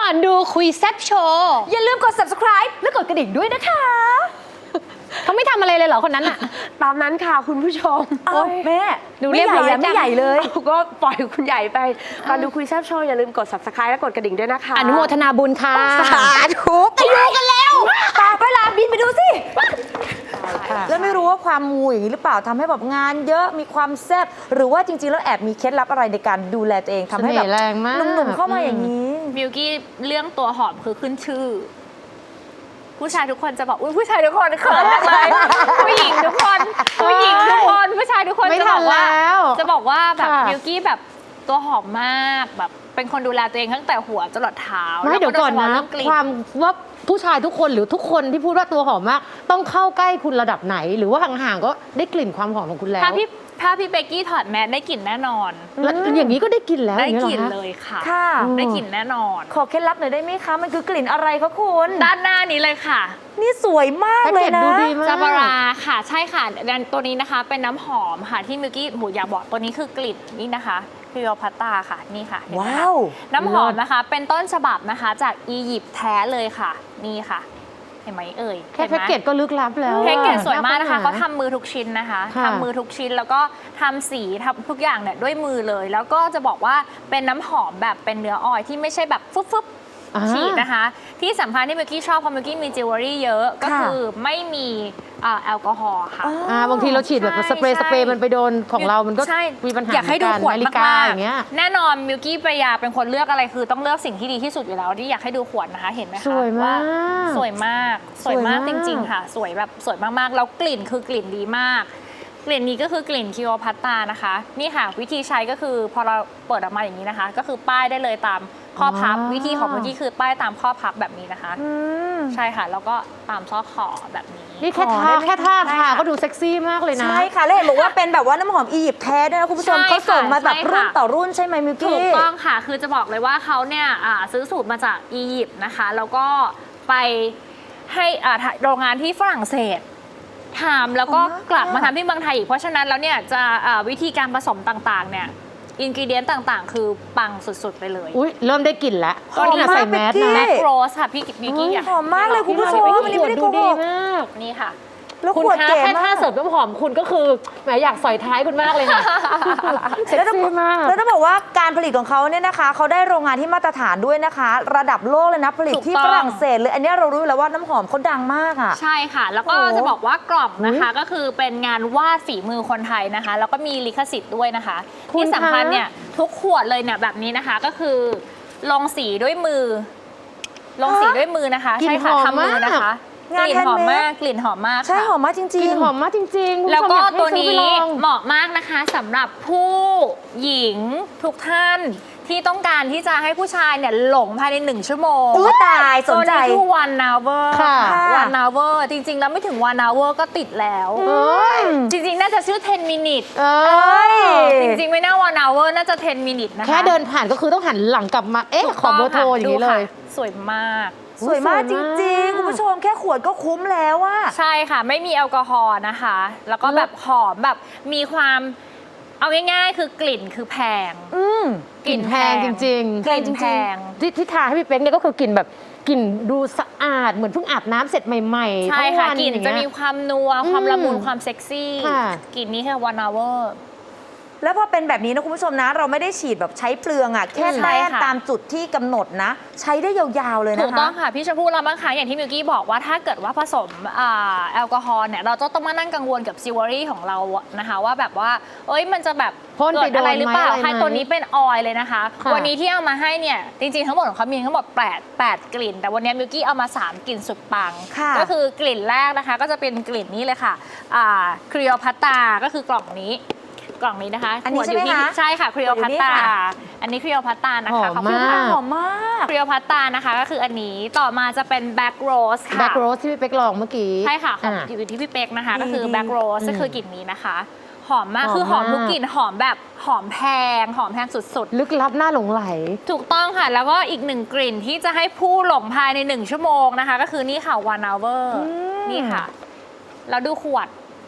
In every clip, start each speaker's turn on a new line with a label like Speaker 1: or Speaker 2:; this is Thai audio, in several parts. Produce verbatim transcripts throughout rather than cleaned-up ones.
Speaker 1: อนดูคุยแซ่บโชว์
Speaker 2: อย่าลืมกด ซับสไครบ์ และกดกระดิ่งด้วยนะคะ
Speaker 1: เขาไม่ทำอะไรเลยเหรอคนนั้นอะ
Speaker 3: ตามนั้นค่ะคุณผู้ชม
Speaker 2: โอ้แม่
Speaker 1: ดู
Speaker 2: ไม่
Speaker 1: เรียบ
Speaker 2: ใหญ่
Speaker 1: ร้อย
Speaker 2: อะไม่
Speaker 1: จัง
Speaker 2: ใหญ่เลย
Speaker 3: ก็ปล่อยคุณใหญ่ไปก่อนดูคุยแซ่บโชว์อย่าลืมกด ซับสไครบ์ และกดกระดิ่งด้วยนะคะ
Speaker 1: อนุโมทนาบุญค่ะ
Speaker 2: สาธุไปดูกันแล้วตาไปลาบินไปดูสิ แล้วไม่รู้ว่าความมูอย่างนี้หรือเปล่าทำให้แบบงานเยอะมีความแซ่บหรือว่าจริงๆแล้วแอบมีเคล็ดลับอะไรในการดูแลตัวเองทำให้แบบ
Speaker 1: เสน่ห์แรงมาก
Speaker 2: หนุ่มๆเข้ามาอย่างนี้
Speaker 4: มิวกี้เรื่องตัวหอมคือขึ้นชื่อ ผู้ชายทุกคนจะบอกอุ้ยผู้ชายทุกคนเขินจังเลยผู้หญิงทุกคนผู้หญิงทุกคนผู้ชายทุกคน
Speaker 1: ไม่
Speaker 4: จะ
Speaker 1: ทั
Speaker 4: บอน กว่า
Speaker 1: แล้ว
Speaker 4: จะบอกว่าแบบ
Speaker 1: ค่ะ
Speaker 4: มิวกี้แบบตัวหอมมากแบบเป็นคนดูแลตัวเองตั้งแต่หัวจรดเท้า
Speaker 1: ไม่เดี๋ยวก่อนนะ
Speaker 4: แล้โดยเฉพาเรื่องกลิ่น
Speaker 1: ความว่าผู้ชายทุกคนหรือทุกคนที่พูดว่าตัวหอมมาก ต้องเข้าใกล้คุณระดับไหน หรือว่าห่างๆก็ได้กลิ่นความหอมของคุณแล้ว
Speaker 4: ถ้าพี่ถ้าพี่เบกกี้ถอดแมสได้กลิ่นแน่นอน
Speaker 1: แล้วอย่างนี้ก็ได้กลิ่นแล้ว
Speaker 4: ได้
Speaker 1: อย่าง
Speaker 4: ก
Speaker 1: นี้
Speaker 4: ลิ่น
Speaker 1: หรอคะ
Speaker 4: เลยค่ะ
Speaker 2: ค่ะ
Speaker 4: ได้กลิ่นแน่นอน
Speaker 2: ขอเคล็ดลับหน่อยได้ไหมคะมันคือกลิ่นอะไรคะคุณ
Speaker 4: ด้านหน้านี้เลยค่ะ
Speaker 2: นี่สวยมาก
Speaker 1: แพ็ก
Speaker 2: เล
Speaker 1: เก
Speaker 2: ย
Speaker 1: จ
Speaker 2: นะ
Speaker 1: ดูดีมาก
Speaker 4: จาบาราค่ะใช่ค่ะและตัวนี้นะคะเป็นน้ำหอมค่ะที่มิวกี้หมูอยากบอกตัวนี้คือกลิ่นนี่นะคะพิโอพัตตาค่ะนี่ค่ะเห็นไหมคะ
Speaker 2: ว้าว
Speaker 4: น้ำหอมนะคะ เป็นต้นฉบับนะคะจากอียิปต์แท้เลยค่ะนี่ค่ะ เห็นไหมเอ่ย
Speaker 1: แค่
Speaker 4: ห็นไหม
Speaker 1: แพ็กเกจก็ลึกลับแล้ว
Speaker 4: แพ็กเกจสวยมากนะคะ
Speaker 1: น่
Speaker 4: เขา
Speaker 1: ค้นห
Speaker 4: ทำมือทุกชิ้นนะคะ
Speaker 1: ค่ะ
Speaker 4: ทำมือทุกชิ้นแล้วก็ทำสีทำทุกอย่างเนี่ยด้วยมือเลย แล้วก็จะบอกว่าเป็นน้ำหอมแบบเป็นเนื้อออยล์ที่ไม่ใช่แบบฟึบฟึบ
Speaker 1: อ่า
Speaker 4: ฉีดนะคะ ที่สำคัญที่เมื่อกี้ชอบเพราะเมื่อกี้มีจิวเวลรี่เยอะก็
Speaker 2: ค่ะ
Speaker 4: คือไม่มีอ่าแอลกอฮอล์ค่ะ
Speaker 1: อ่าบางทีเราฉีดแบบ
Speaker 4: ใช่
Speaker 1: สเปรย์
Speaker 4: ใช่
Speaker 1: สเปรย์มันไปโดนของเรามันก็
Speaker 4: ใช่
Speaker 1: มีปัญหา
Speaker 4: อยากให้ดูขวด
Speaker 1: นาฬิกาม
Speaker 4: าก
Speaker 1: อย่างเงี้ย
Speaker 4: ๆแน่นอนมิวกี้ปรายาเป็นคนเลือกอะไรคือต้องเลือกสิ่งที่ดีที่สุดอยู่แล้วที่อยากให้ดูขวดนะคะเห็นไหมคะ
Speaker 1: สวยมาก
Speaker 4: สวยมากสวยมาก
Speaker 1: สวยมาก
Speaker 4: จริง ๆ ค่ะ สวยแบบสวยมากๆแล้วกลิ่นคือกลิ่นดีมาก กลิ่นนี้ก็คือกลิ่นคิโอพัตตานะคะนี่ค่ะวิธีใช้ก็คือพอเราเปิดออกมาอย่างนี้นะคะ ก็คือป้ายได้เลยตามข้อพับ
Speaker 1: อ๋อ
Speaker 4: วิธีของเมื่อกี้คือป้ายตามข้อพับแบบนี้นะคะ
Speaker 2: อืม
Speaker 4: ใช่ค่ะแล้วก็ตามซอกคอแบบนี้
Speaker 1: นี่แค่
Speaker 2: ขอ
Speaker 1: ทา
Speaker 2: ได้ไหม
Speaker 1: แค่ท่า
Speaker 4: ได้
Speaker 1: ทา
Speaker 4: ค่ะ
Speaker 1: ก็ดูเซ็กซี่มากเลยนะ
Speaker 2: ใช่ค่ะแล้วเห็นบอกว่าเป็นแบบว่าน้ำหอมอียิปต์แท้ด้วยนะคุณผู้ชม
Speaker 4: ใช่
Speaker 2: เขาส่งมาแบบ
Speaker 4: ใช่ค่ะ
Speaker 2: รุ่นต่อรุ่นใช่ไหมมิว
Speaker 4: ถู
Speaker 2: กี้
Speaker 4: กต้องค่ะ คือจะบอกเลยว่าเขาเนี่ยอ่าซื้อสูตรมาจากอียิปต์นะคะ แล้วก็ไปให้อ่าโรงงานที่ฝรั่งเศสทำแล้วก็
Speaker 2: อ๋อ
Speaker 4: กลับมาทำที่เมืองไทยอีก เพราะฉะนั้นแล้วเนี่ยจะอ่าวิธีการผสมต่างๆเนี่ยอินกิเดียนต่างๆ คือปังสุดๆไปเลย
Speaker 1: อุ้ยเริ่มได้กลิ่นแล้ว
Speaker 2: หอม
Speaker 1: นี่
Speaker 2: มาก
Speaker 1: ใส่แมส
Speaker 2: เบกกี้
Speaker 1: นะ
Speaker 4: แม็กโรสค่ะพี่บิ๊กกี้อยาก
Speaker 2: หอมมากเลยคุณผู้ชม
Speaker 1: ข
Speaker 2: วันนี้ไม่ได้โก
Speaker 1: ดู
Speaker 2: ห
Speaker 1: ดี
Speaker 2: ก
Speaker 1: มาก
Speaker 4: นี่ค่ะ
Speaker 2: แล้ว
Speaker 1: คุณ
Speaker 2: ขวด
Speaker 1: คะ
Speaker 2: เก๋
Speaker 1: แค่
Speaker 2: มา
Speaker 1: ท่าก เสิร์ฟน้ำหอมคุณก็คือแหมอยากสอยท้ายคุณมากเลยค่ะเซ็ก
Speaker 2: แล้วต้อง
Speaker 1: ซี่มาก
Speaker 2: แล้วต้องบอกว่าการผลิตของเขาเนี่ยนะคะเขาได้โรงงานที่มาตรฐานด้วยนะคะ ระดับโลกเลยนะผลิต
Speaker 4: ถูก
Speaker 2: ที่
Speaker 4: ต้อง
Speaker 2: ฝรั่งเศสเลยอันเนี้ยเรารู้อยู่แล้วว่าน้ำหอมเขาดังมากอ่ะ
Speaker 4: ใช่ค่ะ แล้วก็
Speaker 2: โอ้โห
Speaker 4: จะบอกว่ากล่องนะคะก็คือเป็นงานวาดฝีมือคนไทยนะคะ แล้วก็มีลิขสิทธิ์ด้วยนะคะ
Speaker 1: คุณ
Speaker 4: ที่สำคัญ
Speaker 1: คะ
Speaker 4: เนี่ยทุกขวดเลยเนี่ยแบบนี้นะคะ ก็คือลงสีด้วยมือ ลงสีด้วยมือนะคะ
Speaker 1: กลิ่น
Speaker 4: ใช่ค่ะ
Speaker 1: หอม
Speaker 4: ทำมือนะคะ
Speaker 2: มาก
Speaker 4: กลิ่นหอม
Speaker 2: งาน
Speaker 4: มาก
Speaker 2: handmade
Speaker 4: กลิ่นหอมมาก
Speaker 2: ใช่
Speaker 4: ค่ะ
Speaker 2: หอมมากจริง
Speaker 1: กลิ่นหอมมากจริงๆ
Speaker 4: แล้วก็
Speaker 1: คุณผู้ชมอยาให้
Speaker 4: ตัวนี้
Speaker 1: ซื้อไปลอง
Speaker 4: เหมาะมากนะคะสำหรับผู้หญิงทุกท่านที่ต้องการที่จะให้ผู้ชายเนี่ยหลงภายในหนึ่งชั่วโมง
Speaker 2: อู้ตายสนใจ
Speaker 4: ตัวนี้คือ one hour
Speaker 1: ค่ะ
Speaker 4: one hour จริงๆ แล้วไม่ถึง one hour ก็ติดแล้ว
Speaker 1: เอ้ย
Speaker 4: จริงๆ น่าจะชื่อ ten minutes
Speaker 1: เอ
Speaker 2: เอ้
Speaker 1: ้ย
Speaker 2: ย
Speaker 4: จริงๆ ไม่น่า one hour น่าจะ ten minutes นะคะ
Speaker 1: แค่เดินผ่านก็คือต้องหันหลังกลับมา เอ๊ะ
Speaker 4: ถูก
Speaker 1: ขอเบอร์โทร
Speaker 4: ต้
Speaker 1: อย่างนี้
Speaker 4: ค่ะ
Speaker 1: เลย
Speaker 4: ดูค่ะสวยมาก
Speaker 2: สวยมาก
Speaker 1: สวย
Speaker 2: จ
Speaker 1: มาก
Speaker 2: ริงๆ คุณผู้ชมแค่ขวดก็คุ้มแล้วอะ
Speaker 4: ใช่ค่ะ ไม่มีแอลกอฮอล์นะคะ แล้วก็แบบหอมแบบมีความเอาง่ายๆ คือกลิ่นคือแพง
Speaker 2: อืม
Speaker 1: กลิ่นแพงจริงๆ
Speaker 4: กลิ่นแพง
Speaker 1: ที่ที่ทาให้พี่เป๊กเนี่ยก็คือกลิ่นแบบกลิ่นดูสะอาดเหมือนเพิ่งอาบน้ำเสร็จใหม่ๆ
Speaker 4: ใช่
Speaker 1: ทั้ง
Speaker 4: ค่ะ
Speaker 1: วัน
Speaker 4: กลิ่น
Speaker 1: อย่าง
Speaker 4: จะ
Speaker 1: เงี้ย
Speaker 4: มีความนัว ความ
Speaker 1: อืม
Speaker 4: ละมุนความเซ็กซี่
Speaker 1: ค่ะ
Speaker 4: กลิ่นนี้คือ one hour
Speaker 2: แล้วพอเป็นแบบนี้นะคุณผู้ชมนะ เราไม่ได้ฉีดแบบใช้เปลืองอะแค่
Speaker 4: ใช่
Speaker 2: แต้ม
Speaker 4: ค่ะ
Speaker 2: ตามจุดที่กำหนดนะ ใช้ได้ยาวๆเลย
Speaker 4: ถู
Speaker 2: นะ
Speaker 4: กต้
Speaker 2: คะ
Speaker 4: องค่ะ พี่ชมพู่เราบางครั้งอย่างที่มิวกี้บอกว่าถ้าเกิดว่าผสมอ่าแอลกอฮอล์เนี่ยเราจะต้องมานั่งกังวลกับซิวเวอรี่ของเราอะนะคะว่าแบบว่า เอ้ยมันจะแบบ
Speaker 1: พ่นไป
Speaker 4: เกิดอะไรหรือเปล่า
Speaker 1: โดนไหมอะไรไหม
Speaker 4: ใครตัวนี้เป็นออยล์เลยนะคะ
Speaker 1: ค่ะ
Speaker 4: วันนี้ที่เอามาให้เนี่ยจริงๆทั้งหมดของเขามีทั้งหมดแปด แปดกลิ่น แต่วันนี้มิวกี้เอามาสามกลิ่นสุดปัง
Speaker 2: ค่ะ
Speaker 4: ก็คือกลิ่นแรกนะคะ ก็จะเป็นกลิ่นนี้เลยค่ะครีโอพัตตาก็คือกล่องนี้ กล่องนี้นะคะ
Speaker 2: อันนี้
Speaker 4: ขวดยู่ที่
Speaker 2: ใช่ไหมคะ
Speaker 4: ใช่ค่ะครีโอพัตตา
Speaker 2: ขวดอยู่นี่ค่ะ
Speaker 4: อันนี้ครีโอพัตตานะ
Speaker 1: หอ
Speaker 4: คะ
Speaker 1: ม
Speaker 4: ขอบคุณ
Speaker 1: มา
Speaker 4: ค่ะ
Speaker 1: ก
Speaker 2: หอมมาก
Speaker 4: ครีโอพัตตานะคะก็คืออันนี้ต่อมาจะเป็นแบ็กโรสค่ะ
Speaker 1: แบ็กโรสที่พี่เป๊กลองเมื่อกี้
Speaker 4: ใช่ค่ะของ
Speaker 1: อ่ะ
Speaker 4: อยู่ที่พี่เป๊กนะคะ
Speaker 2: ดี
Speaker 4: ก็คือ
Speaker 2: ดี
Speaker 4: แบ็กโรส
Speaker 1: อืม
Speaker 4: ก็คือกลิ่นนี้นะคะ หอมมาก
Speaker 1: หอม
Speaker 4: คือหอม
Speaker 1: มาก
Speaker 4: ทุกกลิ่นหอมแบบหอมแพง หอมแพงสุด
Speaker 1: ลึกลับหน้าหลงไหล
Speaker 4: ๆ ถูกต้องค่ะ แล้วก็อีกหนึ่งกลิ่นที่จะให้ผู้หลงภายในหนึ่งชั่วโมงนะคะ ก็คือนี่ค่ะ one hour นี่ค่ะ แล้วดูขวด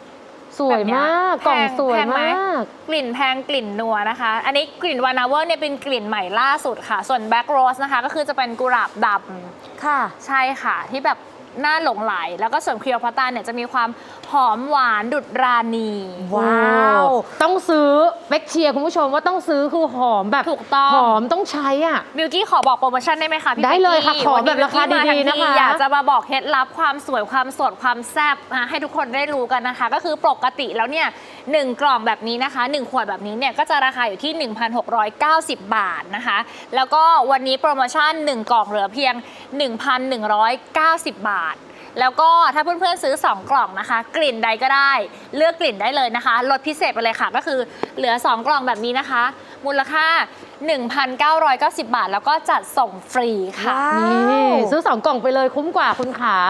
Speaker 1: สวยมาก
Speaker 4: แบบเนี้ย
Speaker 1: กล่องสวย
Speaker 4: แพงไห
Speaker 1: มาก
Speaker 4: กลิ่นแพงกลิ่นนัวนะคะ อันนี้กลิ่นวานาเวอร์เนี่ยเป็นกลิ่นใหม่ล่าสุดค่ะ ส่วนแบล็กโรสนะคะก็คือจะเป็นกุหลาบดำ
Speaker 2: ค่ะ
Speaker 4: ใช่ค่ะ ที่แบบน่าหลงไหล แล้วก็ส่วนคลีโอพัตตราเนี่ยจะมีความหอมหวานดุดราณี
Speaker 2: ว้าว
Speaker 1: ต้องซื้อเบ็กเชียร์คุณผู้ชมว่าต้องซื้อคือหอมแบบ
Speaker 4: ถูกต้อง
Speaker 1: หอมต้องใช้อ่ะ
Speaker 4: บิวกี้ขอบอกโปรโมชั่นได้ไหมคะพี่
Speaker 1: ได้เลยค่ะ
Speaker 4: ป๊กกี้
Speaker 1: ขอ
Speaker 4: วันนี้
Speaker 1: แบบราคา
Speaker 4: บิวกี้ม
Speaker 1: ดีๆ
Speaker 4: ทั้งที
Speaker 1: นะคะ
Speaker 4: อยากจะมาบอกเคล็ดลับความสวยความสดความแซ่บนะให้ทุกคนได้รู้กันนะคะ ก็คือปกติแล้วเนี่ยหนึ่งกล่องแบบนี้นะคะหนึ่งขวดแบบนี้เนี่ยก็จะราคาอยู่ที่ หนึ่งพันหกร้อยเก้าสิบ บาทนะคะ แล้วก็วันนี้โปรโมชั่นหนึ่งกล่องเหลือเพียง หนึ่งพันหนึ่งร้อยเก้าสิบ บาท แล้วก็ถ้าเพื่อนๆซื้อสองกล่องนะคะ กลิ่นใดก็ได้เลือกกลิ่นได้เลยนะคะลดพิเศษไปเลยค่ะ ก็คือเหลือสองกล่องแบบนี้นะคะ มูลค่า หนึ่งพันเก้าร้อยเก้าสิบ บาท แล้วก็จัดส่งฟรีค่ะ
Speaker 2: ว้าว
Speaker 1: นี่ซื้อสองกล่องไปเลยคุ้มกว่าคุณขาก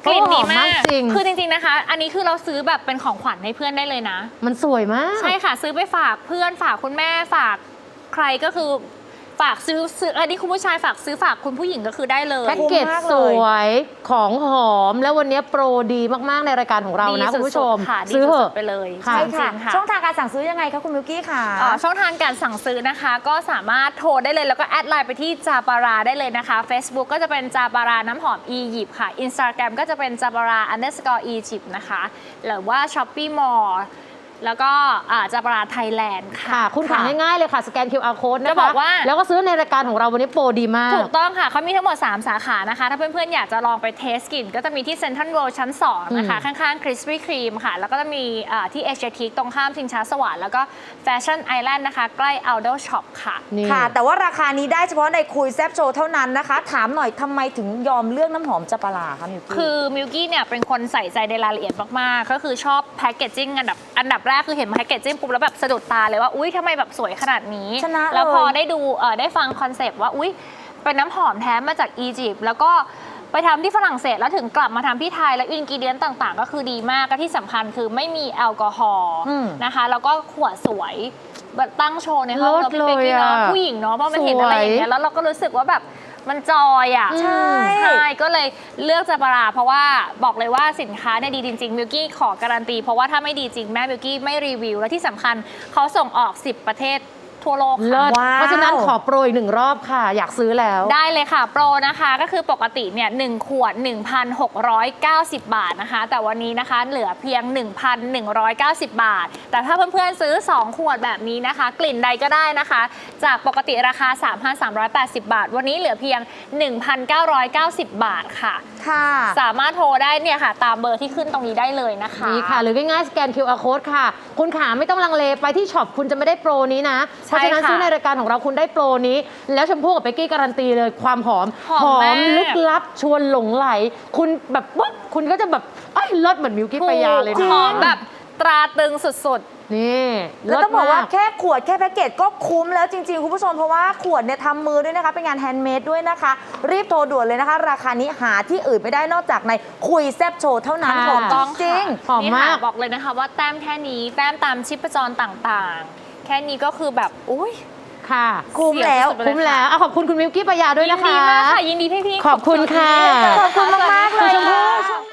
Speaker 4: ลิ่นดี
Speaker 1: หอ
Speaker 4: มาก
Speaker 1: จริง
Speaker 4: คือจริงๆนะคะ อันนี้คือเราซื้อแบบเป็นของขวัญให้เพื่อนได้เลยนะ
Speaker 1: มันสวยมาก
Speaker 4: ใช่ค่ะ ซื้อไปฝากเพื่อนฝากคุณแม่ฝากใครก็คือฝากซื้อซื้ออันนี้คุณผู้ชายฝากซื้อฝากคุณผู้หญิงก็คือได้เลย
Speaker 1: แพ็กเกจ
Speaker 2: คุ้มมาก
Speaker 1: ส
Speaker 2: เลย
Speaker 1: วยของหอมแล้ววันนี้โปรดีมากๆในรายการของเรานะ
Speaker 4: ดีสุดๆ
Speaker 1: คุณผู้ชม
Speaker 4: ค่ะดี
Speaker 1: ซื้อเถ
Speaker 4: สุ
Speaker 1: อะ
Speaker 4: ดๆไปเลย
Speaker 1: ค่ะ
Speaker 2: ใช่
Speaker 4: จริ
Speaker 2: ค่ะ
Speaker 4: งๆค่ะ
Speaker 2: ช่องทางการสั่งซื้อยังไงคะคุณมิวกี้ค่ะ
Speaker 4: เอ่อช่องทางการสั่งซื้อนะคะ ก็สามารถโทรได้เลยแล้วก็แอดไลน์ไปที่จาปาราได้เลยนะคะ Facebook ก็จะเป็นจาปาราน้ำหอมอียิปต์ค่ะ Instagram ก็จะเป็นจาปารา underscore Egypt นะคะหรือว่า Shopee Mall แล้วก็อ่าจาปาราไทยแลนด์ค่ะ
Speaker 1: ค่ะ คุณขาง่ายๆเลยค่ะ สแกน คิว อาร์ Code นะคะ
Speaker 4: จะบอกว่า
Speaker 1: แล้วก็ซื้อในรายการของเราวันนี้โปรดีมาก
Speaker 4: ถูกต้องค่ะ เขามีทั้งหมด สาม สาขานะคะ ถ้าเพื่อนๆ อยากจะลองไปเทสกลิ่น ก็จะมีที่เซ็นทรัลเวิลด์ชั้น สอง นะคะ
Speaker 1: อืม
Speaker 4: ข้างๆ Krispy Kreme ค่ะ แล้วก็จะมีอ่าที่เอเชียทีตรงข้ามชิงช้าสวรรค์แล้วก็แฟชั่นไอแลนด์นะคะ ใกล้ Aldo Shop ค่ะ
Speaker 1: นี่
Speaker 2: ค่ะ แต่ว่าราคานี้ได้เฉพาะในคุยแซบโชว์เท่านั้นนะคะ ถามหน่อยทำไมถึงยอมเลือกน้ำหอมจัปาราคะมิวกี้
Speaker 4: คือมิลกี้เนี่ยเป็นคนใส่ใจในรายละเอียดมาก ๆ ก็คือชอบแพคเกจจิ้งอันดับอันดับแรกคือเห็นแพคเกจจิ้งปุ๊บแล้วแบบสะดุดตาเลยว่า อุ๊ยทำไมแบบสวยขนาดนี้
Speaker 2: ชนะ
Speaker 4: แล้วพอ
Speaker 2: เลย
Speaker 4: ได้ดูเอ่อได้ฟังคอนเซปต์ว่า อุ๊ย เป็นน้ำหอมแท้มาจากอียิปต์แล้วก็ไปทำที่ฝรั่งเศสแล้วถึงกลับมาทำที่ไทยแล้วอินกิเดียนต่าง ๆ ก็คือดีมากก็ที่สำคัญคือไม่มีแอลกอฮอล์
Speaker 2: อืม
Speaker 4: นะคะแล้วก็ขวดสวยแบบตั้งโชว์ในห้อง
Speaker 1: เลิ
Speaker 4: เรา
Speaker 1: ศ
Speaker 4: พี่เป๊กกี้
Speaker 1: เลย
Speaker 4: เนาะ
Speaker 1: อะ
Speaker 4: ผู้หญิงเนาะเพราะมันเห็นอะไรอย่างเงี้ยแล้วเราก็รู้สึกว่าแบบมันจอยอ่ะ
Speaker 1: อืม
Speaker 2: ใช่
Speaker 4: ใช่ก็เลยเลือกจาปาราเพราะว่าบอกเลยว่าสินค้าเนี่ยดีจริงๆมิวกี้ขอการันตีเพราะว่าถ้าไม่ดีจริงแม่มิวกี้ไม่รีวิว และที่สำคัญเขาส่งออก สิบ ประเทศทั่วโลก
Speaker 1: เลิ
Speaker 4: ค่ะ
Speaker 1: ศ
Speaker 2: ว้าว
Speaker 1: เพราะฉะนั้นขอโปรอีกหนึ่งรอบค่ะ อยากซื้อแล้ว
Speaker 4: ได้เลยค่ะ โปรนะคะก็คือปกติเนี่ยหนึ่งขวด หนึ่งพันหกร้อยเก้าสิบ บาทนะคะ แต่วันนี้นะคะเหลือเพียง หนึ่งพันหนึ่งร้อยเก้าสิบ บาท แต่ถ้าเพื่อนๆซื้อ สอง ขวดแบบนี้นะคะ กลิ่นใดก็ได้นะคะ จากปกติราคา สามพันสามร้อยแปดสิบ บาท วันนี้เหลือเพียง หนึ่งพันเก้าร้อยเก้าสิบ บาทค่ะ
Speaker 2: ค่ะ
Speaker 4: สามารถโทรได้เนี่ยค่ะ ตามเบอร์ที่ขึ้นตรงนี้ได้เลยนะคะ
Speaker 1: นี่ค่ะ หรือง่ายๆสแกน คิว อาร์ Code ค่ะ คุณขาไม่ต้องลังเลไปที่ช็อปคุณจะไม่ได้โปรนี้นะ เพราะฉะนั้น
Speaker 4: ใช่ค่ะ
Speaker 1: ซื้อในรายการของเราคุณได้โปรนี้ แล้วชมพู่กับเป๊กกี้การันตีเลยความหอม
Speaker 4: หอมมาก
Speaker 1: ลึกลับชวนหลงไหล คุณแบบปุ๊บคุณก็จะแบบเอ้ยเลิศเหมือนมิวกี้ปายาเลย
Speaker 4: ห
Speaker 1: นะ
Speaker 4: อมแบบตราตรึงสุด
Speaker 1: นี่
Speaker 2: แล้วต้องบอกว่า
Speaker 1: เลิศม
Speaker 2: แค่ขวดแค่แพ็กเกจก็คุ้มแล้วจริง ๆ คุณผู้ชมเพราะว่าขวดเนี่ยทำมือด้วยนะคะ เป็นงานแฮนด์เมดด้วยนะคะ รีบโทรด่วนเลยนะคะ ราคานี้หาที่อื่นไม่ได้นอกจากในคุยแซบโชว์เท่านั้น
Speaker 1: ค่ะ
Speaker 2: ผม
Speaker 4: ๆ ต้อง
Speaker 2: จริง
Speaker 1: หอม
Speaker 4: นี่
Speaker 1: มา
Speaker 4: ค่ะ
Speaker 1: ก
Speaker 4: บอกเลยนะคะว่าแต้มแค่นี้แต้มตามชิปจรต่างๆ แค่นี้ก็คือแบบอุ้ย
Speaker 1: ค่ะ
Speaker 2: คุ้มแล้ว
Speaker 4: เสียสุดๆไปเลย
Speaker 1: คุ้มแล้วอ่ะขอบคุณคุณมิวกี้ปายาด้วย
Speaker 4: ยิ
Speaker 1: นะ
Speaker 4: นดี
Speaker 1: คะ
Speaker 4: มากค่ะยินดีพี่ๆ
Speaker 1: ขอบคุณค่ะ
Speaker 4: ขอบคุณมากๆเลย
Speaker 1: คุณชมพู่
Speaker 4: ค่ะ